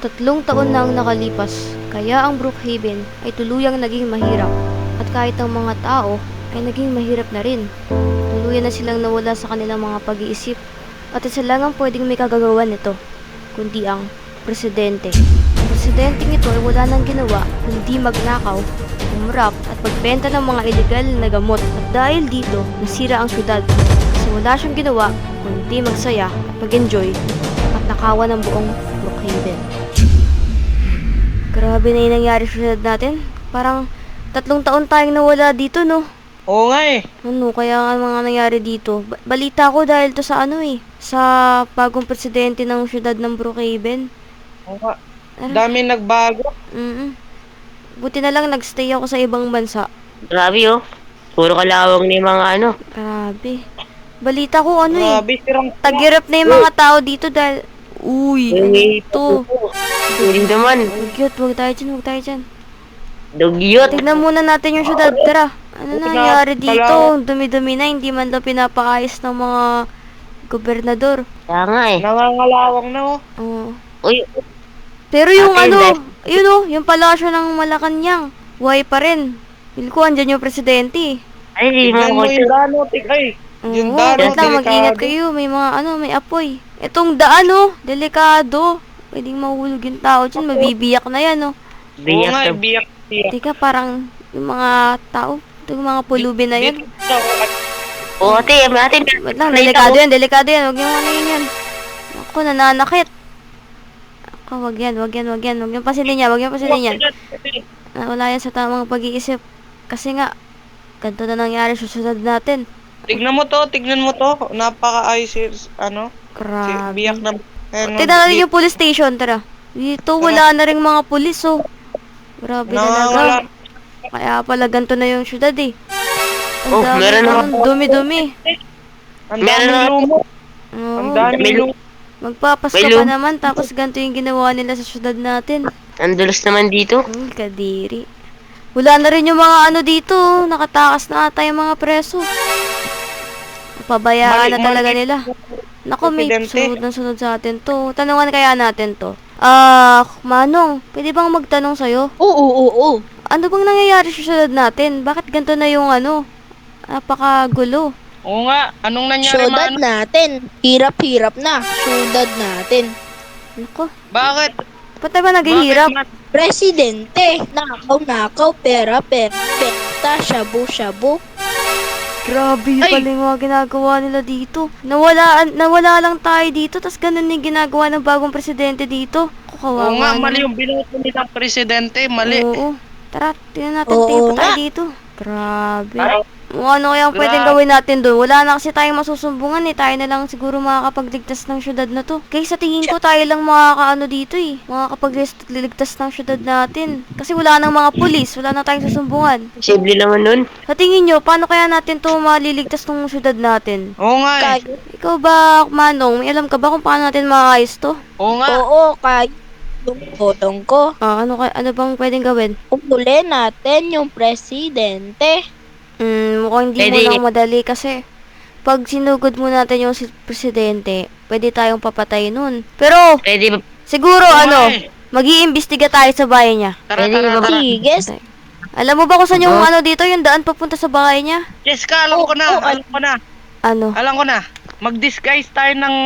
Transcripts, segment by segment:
3 taon na ang nakalipas, kaya ang Brookhaven ay tuluyang naging mahirap. At kahit ang mga tao ay naging mahirap na rin. Tuluyan na silang nawala sa kanilang mga pag-iisip. At isa lang ang pwedeng may kagagawa nito, kundi ang presidente. Ang presidenteng ito ay wala nang ginawa, kundi magnakaw, umrap at magbenta ng mga ilegal na gamot. At dahil dito, nasira ang syudad. Kasi wala siyang ginawa, kundi magsaya at mag-enjoy at nakawan ng buong Brookhaven. Grabe na yung nangyari sa syudad natin. Parang 3 taon tayong nawala dito, no? Oo nga eh. Ano, kaya nga mga nangyari dito. Balita ko dahil to sa ano eh. Sa bagong presidente ng syudad ng Brookhaven. Oo nga. Dami nagbago. Buti na lang nagstay ako sa ibang bansa. Grabe oh. Puro kalawang ni mga ano. Grabe. Balita ko ano eh. Grabe, sirang Tagirap na yung mga tao dito dahil... Uy, ano to? Hindi naman. Huwag tayo dyan, huwag tayo dyan. Dugyot. Tignan muna natin yung syudad. Tara. Ano nangyari dito? Ang dumi-dumi na. Hindi man daw pinapaayos ng mga gobernador. Kaya nga eh. nangangalawang na oh. Oo. Uy, Pero yung Ate, ano, Inday. yun oh, yung palasyo ng Malacanang. Buhay pa rin. Feel ko andyan yung presidente. ay, hindi Tignan mo mo ko. yung dano, tigay. Yung Oo, dano, wait lang, mag-ingat delikado. kayo. May mga ano, may apoy. Itong daan oh, delikado. Pwedeng mahulog yung tao dyan. Mabibiyak na yan oh. Oo nga, Biyak. biyak. Teka, parang yung mga tao, yung mga pulubi na yan. Oo, ate. Wait lang, delikado yan, delikado yan. Huwag yung ano yun yan. Ako, nananakit. Ako, wag yan. Huwag yung pasilin yan. Wala yan sa tamang pag-iisip. Kasi nga, ganito na nangyari sa syudad natin. Tignan mo to. Napaka-ayos ano. Grabe. Biyak na. Ano, Tignan natin yung police station, tara. Dito, wala na rin mga pulis, oh. Grabe Nawawala. talaga. Kaya pala ganito na yung syudad, eh. Oh, meron naman. Dumi-dumi. Ang Meron daming na- lumo. Oo. Ang daming lumo. Magpapasko May pa lum- naman, tapos ganito yung ginawa nila sa syudad natin. Ang dulas naman dito. Kadiri. Wala na rin yung mga ano dito. Nakatakas na ata yung mga preso. Pabayaan na talaga nila. Naku, may Presidente. sunod sa atin to. Tanungan kaya natin to. Manong, pwede bang magtanong sa'yo? Oo. Ano bang nangyayari sa syudad natin? Bakit ganito na yung ano? Napakagulo. Oo nga, anong nangyari Syudad Mano? natin. Hirap-hirap na. Syudad natin. Naku, Bakit? ba't na ba naghihirap? Bakit, Presidente. Nakaw, pera, penta, shabu-shabu. Grabe Ay! pala yung mga ginagawa nila dito. Nawala lang tayo dito, tas ganun yung ginagawa ng bagong presidente dito. Kawawa Oo nga, naman. mali yung binoto nilang presidente. Mali. Oo. Tara, tingnan natin, Oo tingin pa tayo nga. dito. Grabe. Ay. Ano kaya ang pwedeng Grabe. gawin natin doon? Wala na kasi tayong masusumbungan eh. Tayo na lang siguro makakapagligtas ng syudad na to. Kaya sa tingin ko tayo lang makakaano dito eh. Makakapagligtas ng syudad natin. Kasi wala nang mga pulis. Wala na tayong susumbungan. Posible naman nun. Sa tingin nyo, paano kaya natin to maliligtas ng syudad natin? Oo nga eh. Kaya, Ikaw ba, Manong, may alam ka ba kung paano natin maayos to? Oo nga. oo, kaya yung ko. Ano bang pwedeng gawin? Uli natin yung presidente. Mukhang hindi mo Pwede. lang madali kasi pag sinugod mo natin yung presidente, pwede tayong papatay nun. Pero, Pwede ba? siguro Oo ano, nga eh. mag-iimbestiga tayo sa bahay niya. Tara, Pwede tara, ba- tara. Sige, Alam mo ba kung saan yung ano dito, yung daan papunta sa bahay niya? Jessica, alam ko na. Alam ko na. Ano? Alam ko na. Mag-disguise tayo ng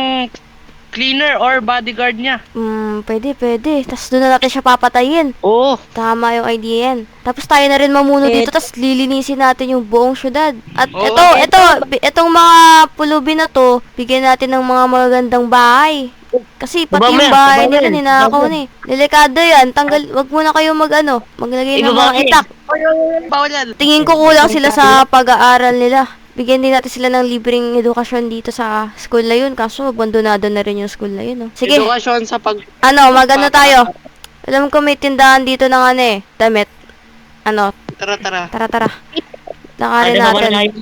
cleaner or bodyguard niya. Pwede. Tapos doon na natin siya papatayin. Oo. Tama yung idea yan. Tapos tayo na rin mamuno dito, tapos lilinisin natin yung buong syudad. At Oo. itong mga pulubi na to, bigyan natin ng mga magagandang bahay. Kasi pati yung bahay nila, ninakaw na eh. Delikado yan. Wag muna kayo maglagay ng mga Ibabae. itak. Bawal yan. Tingin ko kulang sila sa pag-aaral nila. Bigyan din natin sila ng libreng edukasyon dito sa school na yun. Kaso, abandonado na rin yung school na yun. Oh. Sige, Edukasyon sa pag... magano tayo. Alam ko may tindahan dito ng damit. Tara, tara. Tara. Lakarin Ano naman natin.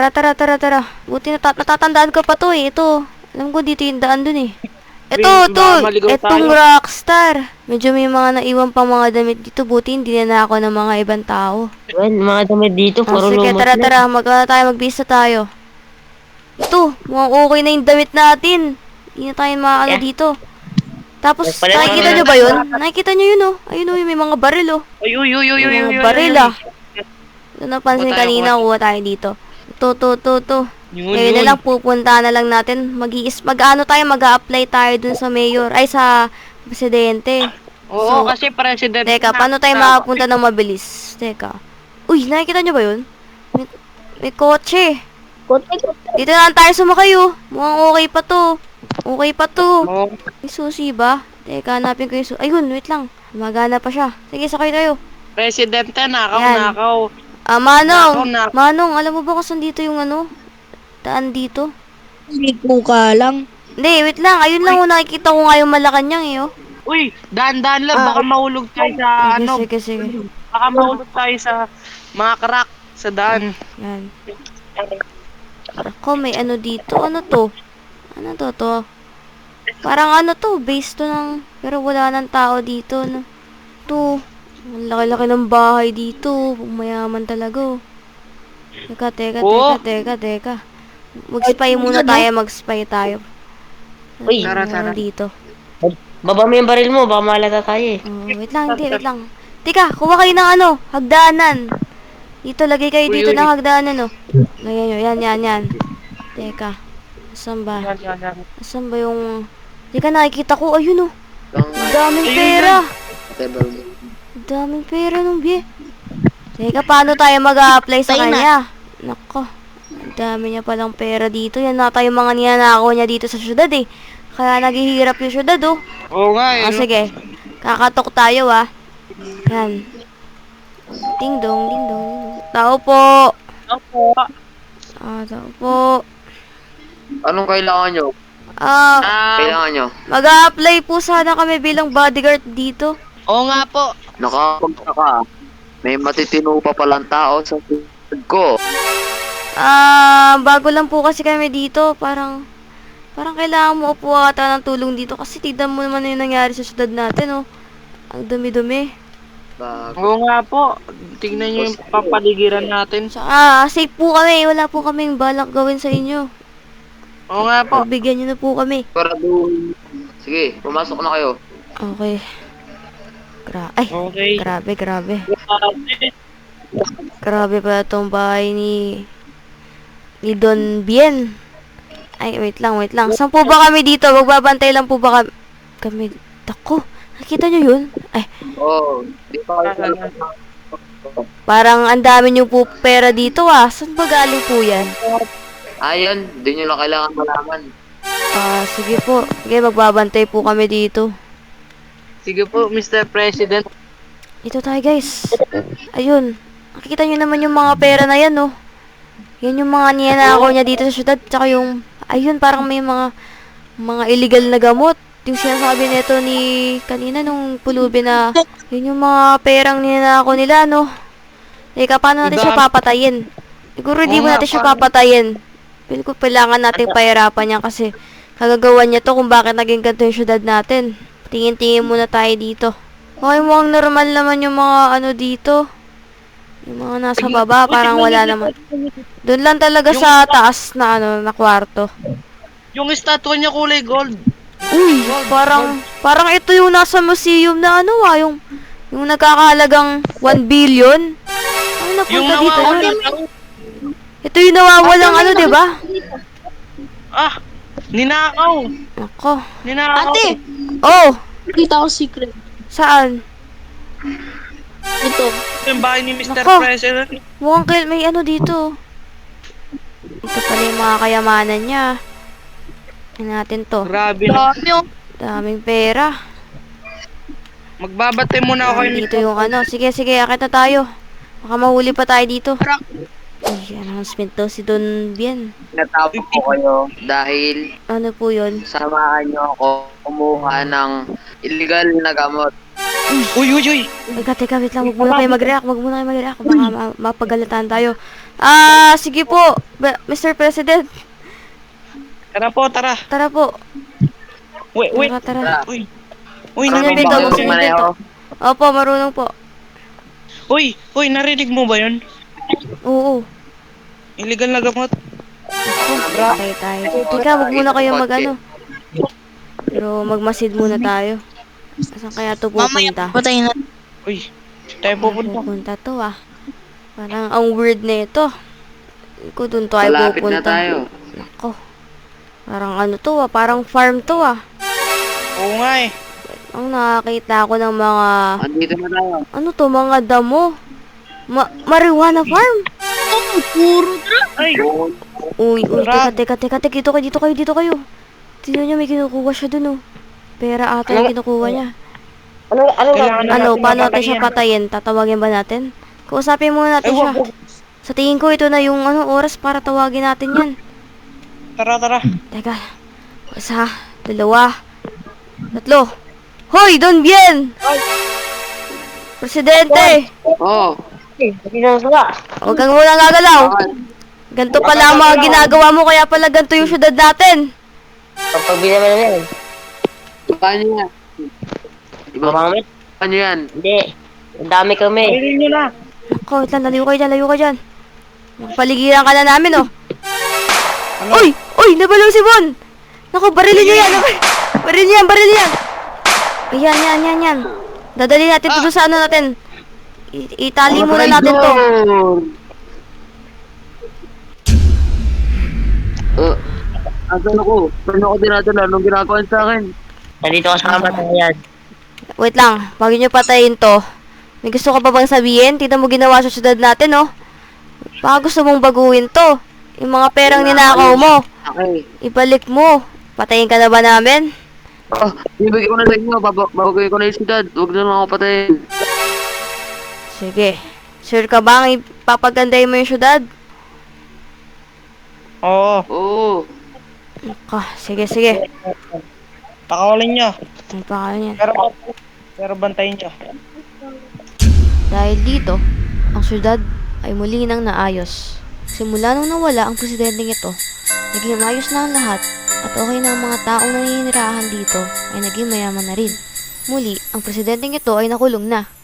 Tara. Buti natatandaan ko pa to eh. Ito. Alam ko dito yung daan dun eh. Ito. maligaw Itong tayo. rockstar. Medyo may mga naiwan pang mga damit dito. Buti hindi na ako ng mga ibang tao. Well, mga damit dito, puro Sige, lumot tara. na. Magbisa tayo. Ito. Mukhang okay na yung damit natin. Hindi na tayo maano Yeah. dito. Tapos, Pala- nakikita nyo ba yun? Nakikita nyo yun, oh. Ayun, oh, may mga baril, oh. Uy, uy, uy, uy, uy, May uy, mga uy, baril, uy. ah. Ito napansin Kuha tayo, kanina, kuha kuha tayo dito. To. Yun, Ngayon na yun. lang, pupunta na lang natin. Mag-ano tayo, mag-a-apply tayo dun sa mayor. Ay, sa presidente. Oo, So, kasi president. Teka, paano tayo makapunta ng mabilis? Teka. Uy, nakikita nyo ba yun? May kotse. Dito na lang tayo sumakay, oh. Mukhang okay pa to. Okay pa to. Oo. May susi ba? Teka, hanapin ko yung susi. Ayun, wait lang. Magana pa siya. Sige, sakay tayo. Presidente, nakaw, Yan. nakaw. Manong. Nako. Manong, alam mo ba kung saan dito yung ano? Daan dito? Ligo ka lang. Hindi, wait lang. Ayun lang, oh, nakikita ko nga yung Malacanang, eh, oh. Uy, daan-daan lang. Baka mahulog tayo sa Sige, ano. sige. Baka mahulog tayo sa mga crack sa daan. Yan. Ako, may ano dito. Ano to? Ano to? Parang ano to, base to ng... Pero wala nang tao dito, no? To. Ang laki-laki ng bahay dito. Mayaman talaga, oh. Teka. Oh. Mag-spy muna tayo, mag-spy tayo. Uy. Ano Tara. dito? Baba mo yung baril mo, baka malata tayo eh. Oh, wait lang. Teka, kuha kayo ng ano, hagdanan. Dito, lagay kayo dito Uy. ng hagdanan, oh. Lagyan nyo, yan. Teka, asan ba? Yan. Asan ba yung... Teka, nakikita ko, ayun, oh. Ang daming Ayun, pera. Ang daming pera nung bie. Teka, paano tayo mag-a-apply sa Tayo na. kanya? Nako, ang dami niya palang pera dito. Yan na tayo mga niyanakaw niya dito sa syudad, eh. Kaya naghihirap yung syudad, oh. Oo nga eh. no? Sige. Kakatok tayo, ah. Yan. Ding dong. Tao po. Opo. Tao po. Anong kailangan nyo? Kailangan nyo? Mag-a-apply po sana kami bilang bodyguard dito. Oo nga po. Nakapagtaka. May matitino pa palang tao sa food ko. Bago lang po kasi kami dito. Parang kailangan mo po ata ng tulong dito. Kasi tignan mo naman yung nangyari sa syudad natin, oh. Ang dumi-dumi. Bago. Oo nga po. Tignan nyo yung papaligiran natin. Tsaka, safe po kami. Wala po kaming balak gawin sa inyo. Oo nga po. Pagbigyan nyo na po kami. Siguraduhin. Sige, pumasok na kayo. Okay. Okay. Grabe. Grabe pa itong bahay ni Don Bien. Ay, wait lang. Saan po ba kami dito? Magbabantay lang po ba kami? Tako, nakita nyo yun? Ay, Oo. Di pa kayo parang ang dami nyo po pera dito, ah. Saan ba galing po yan? Ayun, di nyo lang kailangan malaman. Sige po. Sige, magbabantay po kami dito. Sige po, Mr. President. Ito tayo, guys. Ayun. Nakikita nyo naman yung mga pera na yan, oh. Yan yung mga niyanakaw niya dito sa syudad. Tsaka yung, ayun, parang may mga illegal na gamot. Yung sinasabi nito ni kanina nung pulubi na, yun yung mga perang niyanakaw nila, no. Teka, paano natin siya papatayin? Siguro hindi Oo mo nga, natin siya paano? papatayin. Pili ko kailangan natin pahirapan niya kasi kagagawan niya to kung bakit naging ganito yung syudad natin. Tingin-tingin muna tayo dito. Okay, mukhang normal naman yung mga ano dito. Yung mga nasa baba, parang wala naman. Doon lang talaga sa taas na ano, na kwarto. Yung statue niya kulay gold. Uy, parang ito yung nasa museum na ano yung nagkakahalagang 1 billion. Ano Yung napunta dito? nawawala. Ito yung nawawalang ano, di ba? Ninakaw. Ako. Ninakaw. Ate, Oh, kita ko secret. saan? Ito. Yung bahay ni Mr. Nako. President. Mukhang may ano dito. Ito pala yung mga kayamanan niya. Tingnan natin to. Grabe na. Daming pera. Magbabatay muna ako Dito yung ano. Sige, akit na tayo. Baka mahuli pa tayo dito. Ay, announcement daw si Don Bien. Natapos ko kayo dahil Ano po yun? samahan nyo ako kumuha ng illegal na gamot. Uy. Teka, wait lang. Huwag muna kayo mag-react. Baka mapagalitan tayo. Sige po. Mr. President. Tara. Tara po. Wait. Tara. Uy, Ano narinig dito? mo Gusto ba nyo yun? dito? Opo, marunong po. Uy, narinig mo ba yun? Oo. Illegal na gamot. Patay tayo. Teka, wag muna kayo mag-ano. Pero magmasid muna tayo. Saan kaya to Mamaya pupunta? patayin na. Uy, saan tayo pupunta? Pupunta to ah. Parang ang weird na ito. Kung doon tayo Malapit na pupunta. tayo. Nako. Parang ano to ah. Parang farm to ah. Oo nga eh. Ang nakakita ako ng mga... Andito na tayo. Ano to? Mga damo. Marijuana farm. Puro Ay, Uy, Sarap. teka. Dito kayo. Tignan niyo, may kinukuha siya dun oh. Pera ata yung kinukuha niya. Ano Kailangan nga? na Ano, natin paano natin mapatayin. siya patayin? Tatawagin ba natin? Kausapin muna natin Ay, siya. wag. Sa tingin ko, ito na yung oras para tawagin natin yan. Tara. Teka. 1, 2, 3. Hoy, Don Bien! Presidente! Oo. Hindi na sila. Huwag kang muna gagalaw. Bakit? Ganto pala ang mga ginagawa mo, kaya pala ganto yung syudad natin. Pag binaman na yan. Paano yan? Iba Mamamit? paano yan? Hindi. Ang dami kami. Piliin nyo na. Ako, wait lang, layo ka dyan. Paligiran ka na namin, oh. Uy, nabalaw si Bon. Naku, barilin niyo yan. Baril niyo yan. Ayan. Dadali natin to doon sa ano natin. Itali muna natin to. Asan ako? Saan ako dinadala? Anong ginagawa sa akin? Nandito kasama tayo yan. Wait lang, bago nyo patayin to. May gusto ka pa bang sabihin? Tignan mo ginawa sa syudad natin, oh. Baka gusto mong baguhin to. Yung mga perang ninakaw mo, Okay. ibalik mo. Patayin ka na ba namin? Oh, ibigay ko na sa inyo. Babagay ko na yung siyudad. Huwag na lang ako patayin. Sige. Sure ka ba ang ipapagandahin mo yung syudad? Oo, Oo. Sige. pakawalin nyo. Ano pa kayo yan? Pero bantayin nyo. Dahil dito, ang syudad ay muli nang naayos. Simula nung nawala ang presidenteng ito, naging maayos na ang lahat at okay na ang mga taong naninirahan dito ay naging mayaman na rin. Muli, ang presidenteng ito ay nakulong na